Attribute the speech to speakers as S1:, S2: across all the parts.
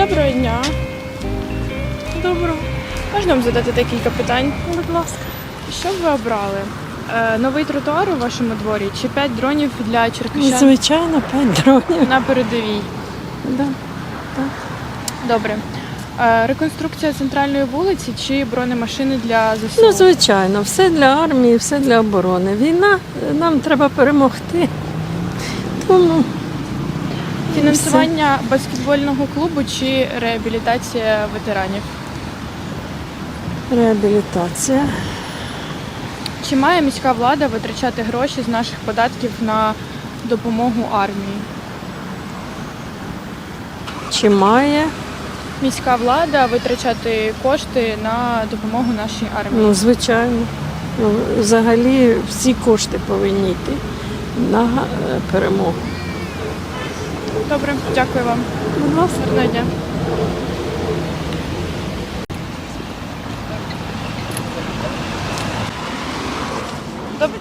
S1: Доброго дня. Доброго. Можна вам задати декілька питань?
S2: Будь ласка.
S1: Що б ви обрали? Новий тротуар у вашому дворі чи 5 дронів для черкащан
S2: Звичайно, 5 дронів.
S1: на передовій?
S2: Да.
S1: Добре. Реконструкція центральної вулиці чи бронемашини для ЗСУ?
S2: Ну, звичайно, все для армії, все для оборони. Війна, нам треба перемогти. Тому
S1: Фінансування баскетбольного клубу чи реабілітація ветеранів?
S2: реабілітація.
S1: Чи має міська влада витрачати гроші з наших податків на допомогу армії?
S2: Чи має?
S1: Міська влада витрачати кошти на допомогу нашій армії?
S2: Ну, звичайно. Ну, взагалі всі кошти повинні йти на перемогу.
S1: Добре, дякую вам.
S2: Будь ласка.
S1: Гарного дня. Добре.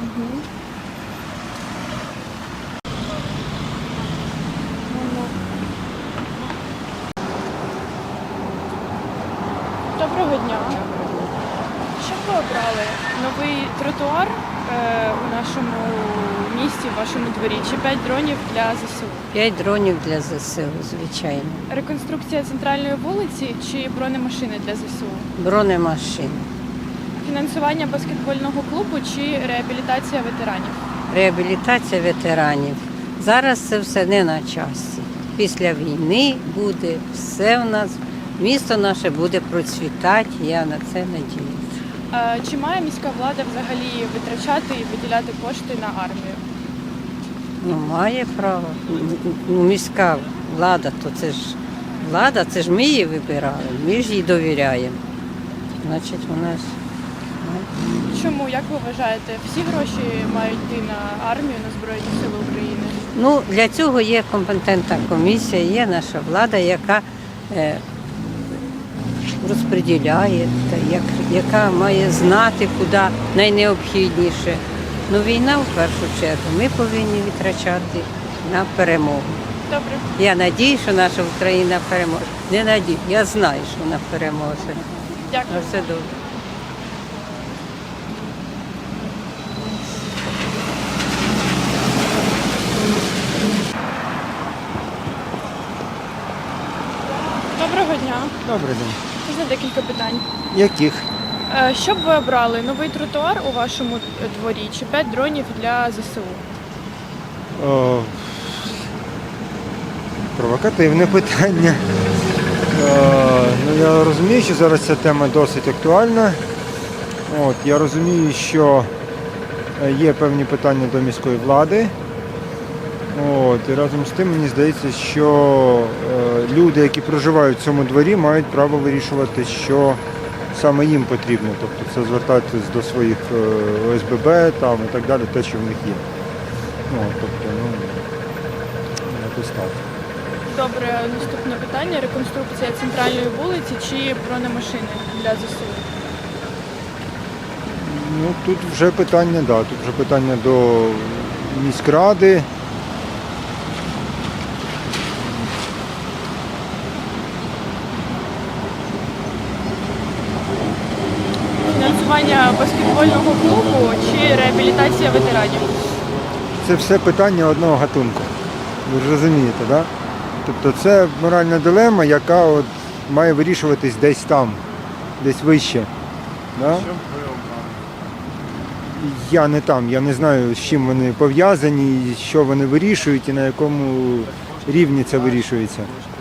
S1: Доброго дня. Що б ви обрали? Новий тротуар у нашому місті, в вашому дворі, чи 5 дронів для ЗСУ?
S3: 5 дронів для ЗСУ, звичайно.
S1: Реконструкція центральної вулиці чи бронемашини для ЗСУ?
S3: Бронемашин.
S1: Фінансування баскетбольного клубу чи реабілітація ветеранів?
S3: Реабілітація ветеранів. Зараз це все не на часі. Після війни буде все в нас, місто наше буде процвітати, я на це надіюся.
S1: Чи має міська влада взагалі витрачати і виділяти кошти на армію?
S3: Ну, має право. Ну, міська влада, то це ж влада, це ж ми її вибирали, ми ж їй довіряємо. Значить, вона ж.
S1: Чому, як ви вважаєте, всі гроші мають йти на армію, на Збройні Сили України?
S3: Ну, для цього є компетентна комісія, є наша влада, яка розподіляє, яка має знати, куди найнеобхідніше. Ну, війна в першу чергу ми повинні витрачати на перемогу.
S1: Добре.
S3: Я надію, що наша Україна переможе. Не надію, я знаю, що вона переможе.
S1: Дякую.
S3: На все добре.
S1: Доброго дня.
S4: Добрий день.
S1: Можна декілька питань.
S4: Яких?
S1: Що б ви обрали? Новий тротуар у вашому дворі чи 5 дронів для ЗСУ?
S4: О, провокативне питання. Ну, я розумію, що зараз ця тема досить актуальна. Я розумію, що є певні питання до міської влади. І разом з тим мені здається, що люди, які проживають в цьому дворі, мають право вирішувати, що саме їм потрібно. Тобто це звертатись до своїх ОСББ там, і так далі, те, що в них є. Якось так.
S1: Добре, наступне питання. Реконструкція центральної вулиці чи бронемашини для ЗСУ?
S4: Ну, тут вже питання, тут вже питання до міськради.
S1: Фінансування баскетбольного клубу чи реабілітація ветеранів?
S4: Це все питання одного гатунку. Ви ж розумієте, так? Тобто це моральна дилема, яка має вирішуватись десь там, десь вище. Да? Я не там, я не знаю, з чим вони пов'язані, що вони вирішують і на якому рівні це вирішується.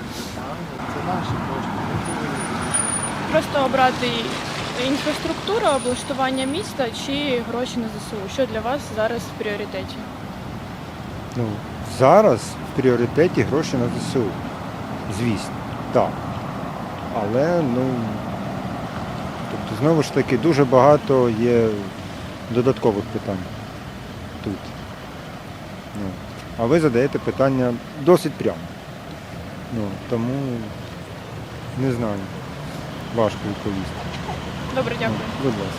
S1: Просто обрати інфраструктуру, облаштування міста чи гроші на ЗСУ? Що для вас зараз в пріоритеті?
S4: Ну, зараз в пріоритеті гроші на ЗСУ. Звісно, так. Але, тобто, знову ж таки, дуже багато є додаткових питань тут. А ви задаєте питання досить прямо. Тому не знаю. Важко відповісти.
S1: Добре, дякую.
S4: Будь ласка.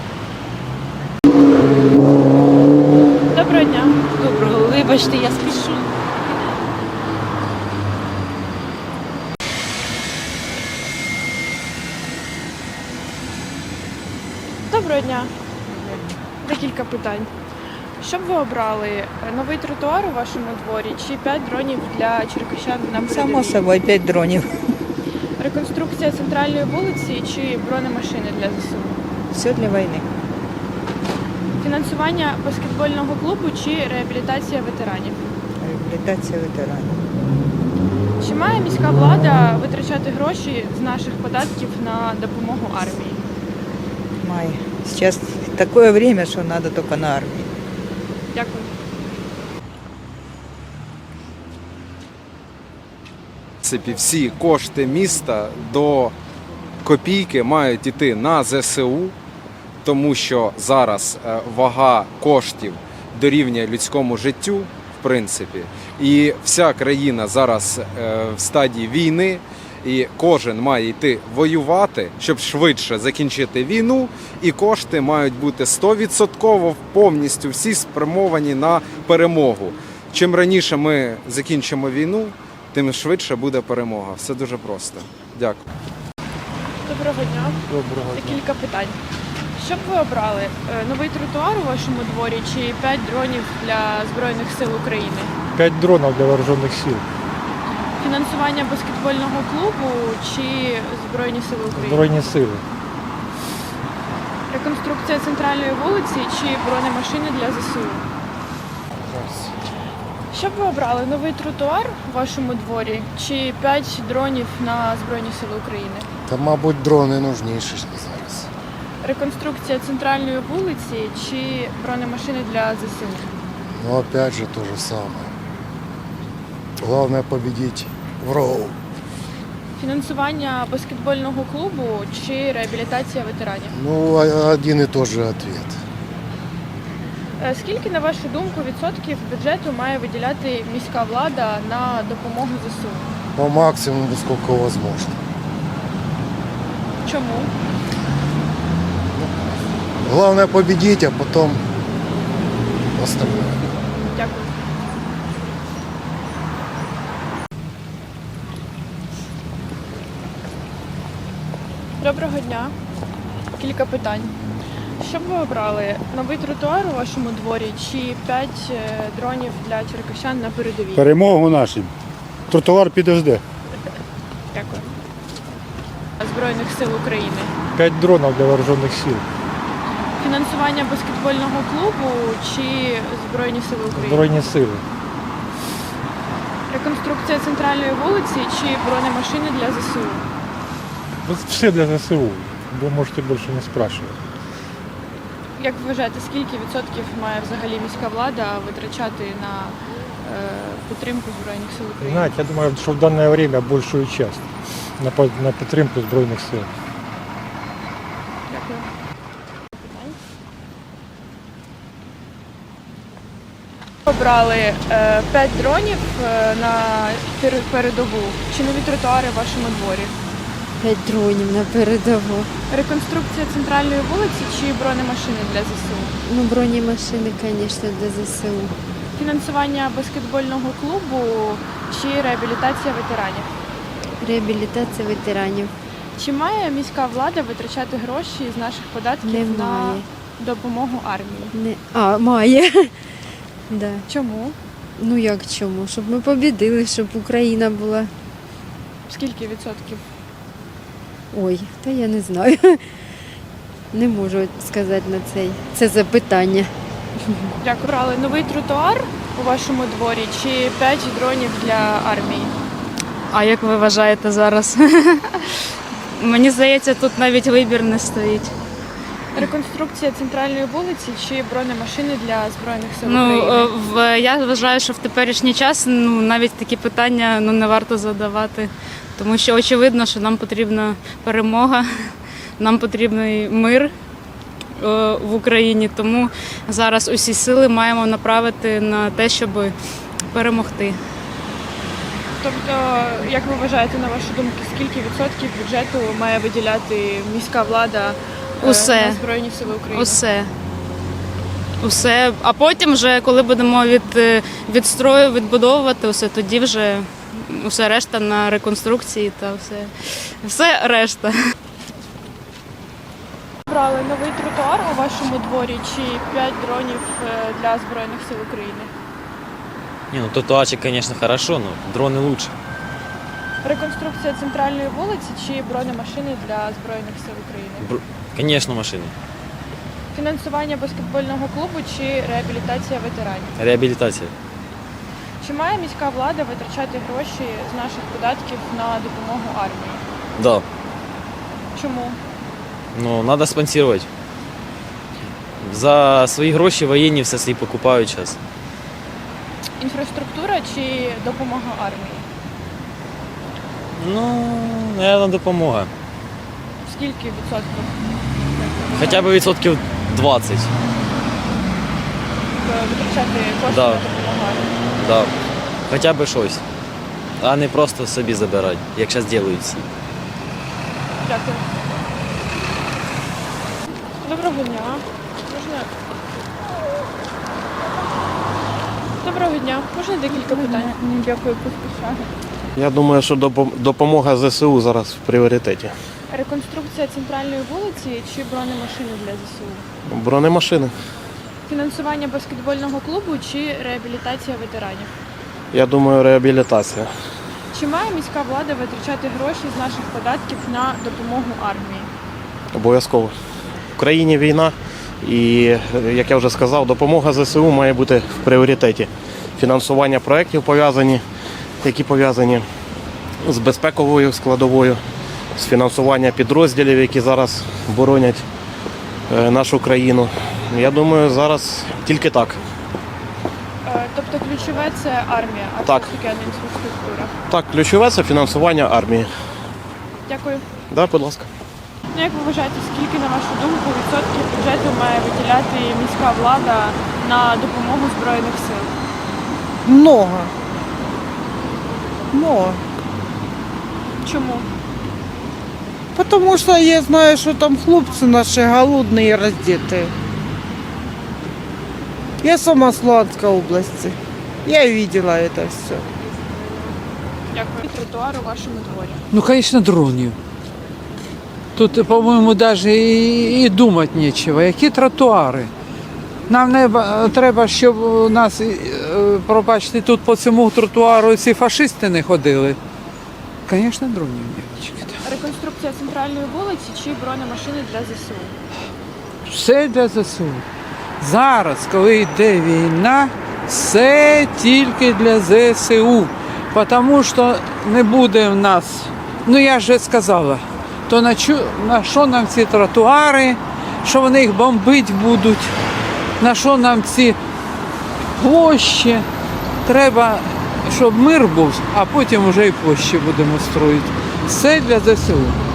S1: Доброго дня.
S2: Доброго, вибачте, я спішу.
S1: Доброго дня. Декілька питань. Що б ви обрали? Новий тротуар у вашому дворі чи 5 дронів для черкащан на передовій?
S5: Само собою 5 дронів.
S1: Реконструкція центральної вулиці чи бронемашини для ЗСУ?
S5: Все для війни.
S1: Фінансування баскетбольного клубу чи реабілітація ветеранів?
S5: Реабілітація ветеранів.
S1: Чи має міська влада витрачати гроші з наших податків на допомогу армії?
S5: Має. Зараз таке время, що треба тільки на армію.
S1: Дякую.
S6: В принципі, всі кошти міста до копійки мають йти на ЗСУ, тому що зараз вага коштів дорівнює людському життю, в принципі, і вся країна зараз в стадії війни, і кожен має йти воювати, щоб швидше закінчити війну, і кошти мають бути 100% повністю всі спрямовані на перемогу. Чим раніше ми закінчимо війну, тим швидше буде перемога. Все дуже просто. Дякую.
S1: Доброго дня. Декілька питань. Що б ви обрали? Новий тротуар у вашому дворі чи 5 дронів для Збройних сил України?
S7: 5 дронов для вооруженных сил.
S1: Фінансування баскетбольного клубу чи Збройні сили України?
S7: Збройні сили.
S1: Реконструкція центральної вулиці чи бронемашини для ЗСУ? Що б ви обрали? Новий тротуар у вашому дворі чи 5 дронів на Збройні сили України?
S8: Та, мабуть, дрони нужніші зараз.
S1: Реконструкція центральної вулиці чи бронемашини для ЗСУ?
S8: Ну, опять же, то же самое. Главное победить врагов.
S1: Фінансування баскетбольного клубу чи реабілітація ветеранів?
S8: Ну, один и тот же ответ.
S1: Скільки, на вашу думку, відсотків бюджету має виділяти міська влада на допомогу ЗСУ?
S8: По максимуму, сколько возможно.
S1: Чому?
S8: Главное победить, а потом остальное.
S1: Дякую. Доброго дня. Кілька питань. Що б ви обрали? Новий тротуар у вашому дворі чи 5 дронів для черкащан на передовій?
S7: Перемогу нашим. Тротуар підожде.
S1: Дякую. Збройних сил України.
S7: 5 дронов для вооруженных сил.
S1: Фінансування баскетбольного клубу чи Збройні сили України?
S7: Збройні сили.
S1: Реконструкція центральної вулиці чи бронемашини для ЗСУ?
S7: Все для ЗСУ. Ви можете більше не спрашивати.
S1: Як ви вважаєте, скільки відсотків має взагалі міська влада витрачати на підтримку Збройних сил України?
S7: Знаете, я думаю, что в данное время большую часть на підтримку Збройних сил.
S1: Дякую. Обрали 5 дронів на передову. Чи нові тротуари в вашому дворі?
S9: 5 дронів на передову.
S1: Реконструкція центральної вулиці чи бронемашини для ЗСУ?
S9: Ну, бронемашини, звісно, для ЗСУ.
S1: Фінансування баскетбольного клубу чи реабілітація ветеранів?
S9: Реабілітація ветеранів.
S1: Чи має міська влада витрачати гроші з наших податків
S9: Немає.
S1: на допомогу армії?
S9: Має. Да.
S1: Чому?
S9: Ну як чому? Щоб ми побідили, щоб Україна була.
S1: Скільки відсотків?
S9: Ой, та я не знаю. Не можу сказати на це запитання.
S1: Дякую. Брали новий тротуар у вашому дворі чи 5 дронів для армії?
S10: А як ви вважаєте зараз? Мені здається, тут навіть вибір не стоїть.
S1: Реконструкція центральної вулиці чи бронемашини для Збройних сил
S10: Ну,
S1: України?
S10: я вважаю, що в теперішній час навіть такі питання не варто задавати, тому що очевидно, що нам потрібна перемога, нам потрібний мир в Україні, тому зараз усі сили маємо направити на те, щоб перемогти.
S1: Тобто, як ви вважаєте, на вашу думку, скільки відсотків бюджету має виділяти міська влада
S10: Усе.
S1: на Збройні сили України?
S10: Усе. А потім вже, коли будемо відбудовувати усе, тоді вже усе решта на реконструкції та все решта.
S1: обрали новий тротуар у вашому дворі чи 5 дронів для Збройних сил України?
S11: Не, ну тротуарчик, конечно, хорошо, но дроны лучше.
S1: Реконструкція центральної вулиці чи бронемашини для Збройних сил України?
S11: Конечно, машины.
S1: Фінансування баскетбольного клубу чи реабілітація ветеранів?
S11: Реабилитация.
S1: Чи має міська влада витрачати гроші з наших податків на допомогу армії?
S11: Да.
S1: Чому?
S11: Но надо спонсировать. За свои гроші воєнні все собі покупають зараз.
S1: Інфраструктура чи допомога армії?
S11: Ну, наверное, допомога.
S1: Скільки відсотків
S11: Хоча б відсотків 20.
S1: витрачати кошти
S11: Да.
S1: на допомогу армії?
S11: Да. Хоча б щось. А не просто собі забирати, як зараз роблять всі.
S1: Дякую. Доброго дня. Можна... Доброго дня. Можна декілька питань? Дякую, поспішаю.
S12: Я думаю, що допомога ЗСУ зараз в пріоритеті.
S1: Реконструкція центральної вулиці чи бронемашини для ЗСУ?
S12: Бронемашини.
S1: Фінансування баскетбольного клубу чи реабілітація ветеранів?
S12: Я думаю, реабілітація.
S1: Чи має міська влада витрачати гроші з наших податків на допомогу армії?
S12: Обов'язково. В країні війна і, як я вже сказав, допомога ЗСУ має бути в пріоритеті. Фінансування проєктів які пов'язані з безпековою складовою, з фінансування підрозділів, які зараз боронять нашу країну. Я думаю, зараз тільки так.
S1: Тобто ключове це армія, а
S12: Так.
S1: все-таки не інфраструктура.
S12: Так, ключове це фінансування армії.
S1: Дякую.
S12: Да, будь ласка.
S1: Ну, як ви вважаєте, скільки, на вашу думку, відсотків бюджету має виділяти міська влада на допомогу Збройних сил?
S5: Много. Много.
S1: Чому?
S5: Потому что я знаю, что там хлопцы наши голодные и раздетые. Я сама с Луганской области. Я видела это все.
S1: Дякую. Тротуар у вашому дворі.
S13: Ну, конечно, дронів. Тут, по-моєму, навіть і думати нічого. Які тротуари? Нам не треба, щоб у нас, пробачте, тут по цьому тротуару ці фашисти не ходили. Звісно, дронів, дівчатки.
S1: Реконструкція центральної вулиці чи бронемашини для ЗСУ?
S13: Все для ЗСУ. Зараз, коли йде війна, все тільки для ЗСУ. Тому що не буде в нас, ну я ж сказала, то на що нам ці тротуари, що вони їх бомбити будуть, на що нам ці площі. Треба, щоб мир був, а потім вже і площі будемо строїти. Все для ЗСУ.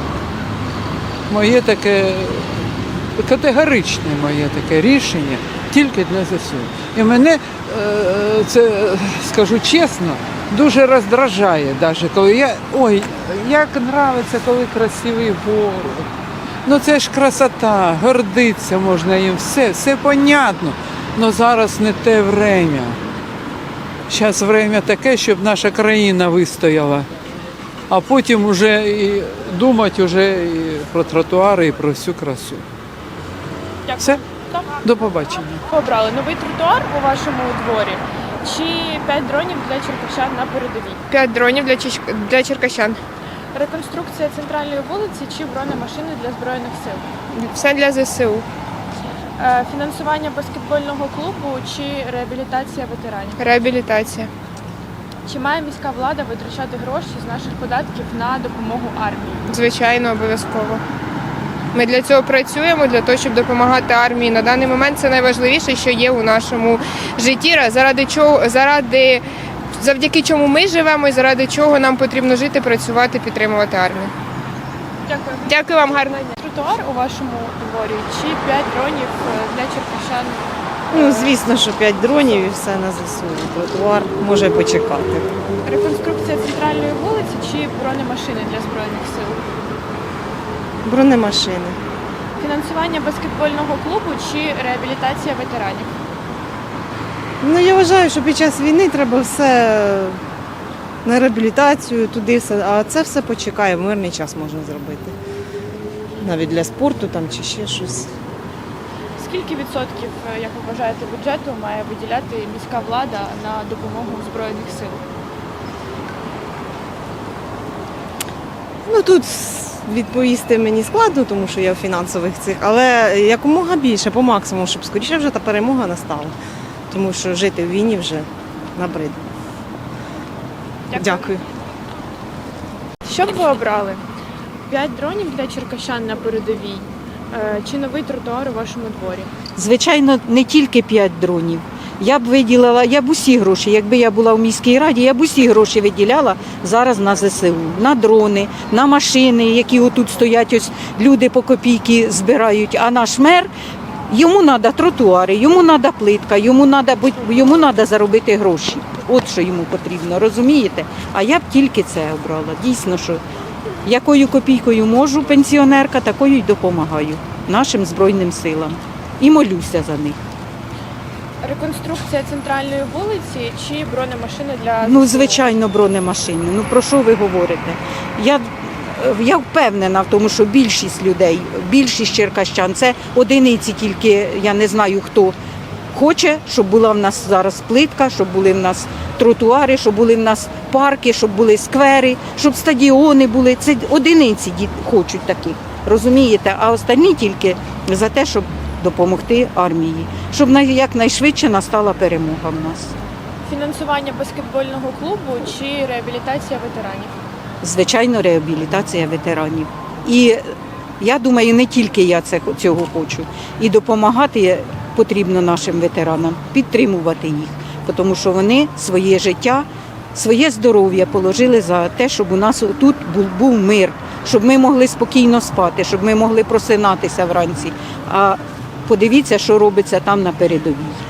S13: Моє таке категоричне моє таке рішення тільки для ЗСУ. І мене, це скажу чесно, дуже роздражає, навіть коли як подобається, коли красивий город. Ну це ж красота, гордитися можна їм, все понятно. Але зараз не те время. Зараз время таке, щоб наша країна вистояла. А потім вже і думати вже і про тротуари, і про всю красу.
S1: Дякую.
S13: Все?
S1: Так.
S13: До побачення.
S1: Обрали новий тротуар у вашому дворі чи 5 дронів для черкащан на передовій?
S14: 5 дронів для черкащан.
S1: Реконструкція центральної вулиці чи бронемашини для Збройних сил?
S14: Все для ЗСУ.
S1: Фінансування баскетбольного клубу чи реабілітація ветеранів?
S14: Реабілітація.
S1: Чи має міська влада витрачати гроші з наших податків на допомогу армії?
S14: Звичайно, обов'язково. Ми для цього працюємо, для того, щоб допомагати армії. На даний момент це найважливіше, що є у нашому житті, завдяки чому ми живемо і заради чого нам потрібно жити, працювати, підтримувати армію.
S1: Дякую.
S14: Дякую вам, гарного дня.
S1: Тротуар у вашому дворі чи 5 дронів для черкащан?
S5: Ну, звісно, що 5 дронів і все на ЗСУ. Тротуар може почекати.
S1: Реконструкція центральної вулиці чи бронемашини для Збройних сил?
S5: Бронемашини.
S1: Фінансування баскетбольного клубу чи реабілітація ветеранів?
S5: Ну, я вважаю, що під час війни треба все на реабілітацію, туди все, а це все почекає, в мирний час можна зробити. навіть для спорту там чи ще щось.
S1: Скільки відсотків, як ви вважаєте, бюджету має виділяти міська влада на допомогу Збройних сил?
S5: Ну тут відповісти мені складно, тому що я в фінансових цих, але якомога більше, по максимуму, щоб скоріше вже та перемога настала. Тому що жити в війні вже набридло. Дякую.
S1: Що б ви обрали? 5 дронів для черкащан на передовій чи новий тротуар у вашому дворі?
S2: Звичайно, не тільки 5 дронів. Я б виділила, я б усі гроші, якби я була в міській раді, я б усі гроші виділяла зараз на ЗСУ, на дрони, на машини, які отут стоять, ось люди по копійки збирають, а наш мер, йому треба тротуари, йому треба плитка, йому треба заробити гроші. От що йому потрібно, розумієте? А я б тільки це обрала. Дійсно, що якою копійкою можу, пенсіонерка, такою й допомагаю нашим Збройним силам. І молюся за них.
S1: Реконструкція центральної вулиці чи бронемашини для
S2: Ну,
S1: ЗСУ?
S2: звичайно, бронемашини. Ну, про що ви говорите? Я впевнена в тому, що більшість людей, більшість черкащан, це одиниці тільки, я не знаю хто, хоче, щоб була в нас зараз плитка, щоб були в нас тротуари, щоб були в нас парки, щоб були сквери, щоб стадіони були. Це одиниці хочуть таких, розумієте? А останні тільки за те, щоб допомогти армії, щоб якнайшвидше настала перемога в нас.
S1: Фінансування баскетбольного клубу чи реабілітація ветеранів?
S2: Звичайно, реабілітація ветеранів. І я думаю, не тільки я цього хочу. І допомагати потрібно нашим ветеранам, підтримувати їх, тому що вони своє життя, своє здоров'я положили за те, щоб у нас тут був мир, щоб ми могли спокійно спати, щоб ми могли просинатися вранці. А подивіться, що робиться там на передовій.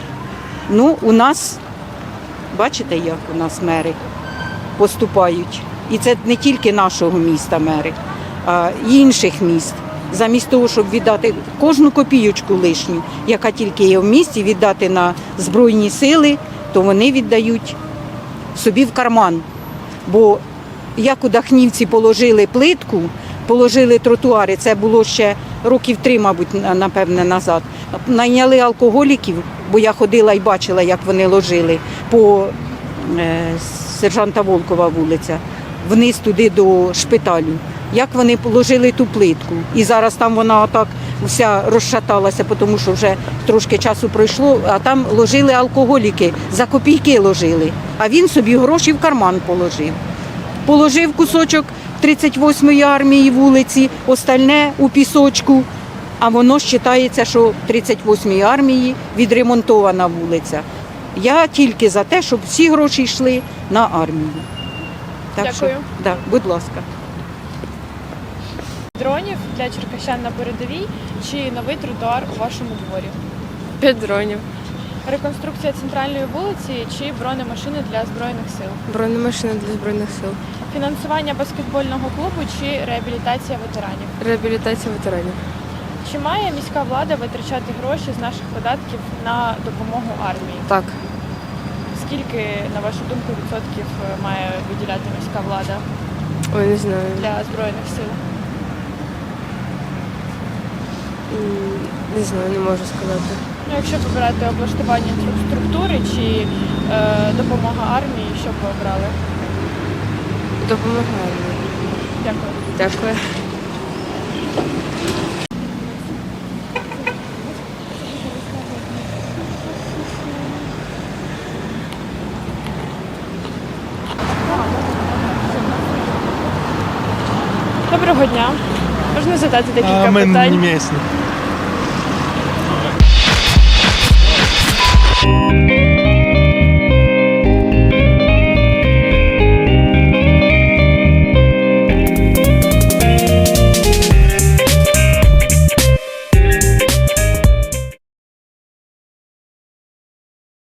S2: Ну, у нас, бачите, як у нас мери поступають. І це не тільки нашого міста мери, а й інших міст. Замість того, щоб віддати кожну копійочку лишню, яка тільки є в місті, віддати на Збройні сили, то вони віддають собі в карман. Бо як у Дахнівці положили плитку, положили тротуари, це було ще років 3, мабуть, напевне, назад. Найняли алкоголіків, бо я ходила і бачила, як вони ложили по сержанта Волкова вулиця, вниз туди до шпиталю. Як вони положили ту плитку. І зараз там вона отак вся розшаталася, тому що вже трошки часу пройшло, а там ложили алкоголіки, за копійки ложили. А він собі гроші в карман положив. Положив кусочок 38-ї армії вулиці, остальне у пісочку, а воно вважається, що 38-ї армії відремонтована вулиця. Я тільки за те, щоб всі гроші йшли на армію. Так
S1: Дякую.
S2: Що, да, будь ласка.
S1: Дронів для черкащан на передовій чи новий тротуар у вашому дворі?
S14: 5 дронів.
S1: Реконструкція центральної вулиці чи бронемашини для Збройних сил?
S14: Бронемашини для Збройних сил.
S1: Фінансування баскетбольного клубу чи реабілітація ветеранів?
S14: Реабілітація ветеранів.
S1: Чи має міська влада витрачати гроші з наших податків на допомогу армії?
S14: Так.
S1: Скільки, на вашу думку, відсотків має виділяти міська влада
S14: Ой, не знаю.
S1: для Збройних сил?
S14: Не знаю, не можу сказати.
S1: Ну, якщо вибирати облаштування структури чи допомога армії, що б ви обрали?
S14: Допомагає.
S1: Дякую.
S14: Дякую.
S1: Доброго дня. Можна задати декілька питань?
S7: местные.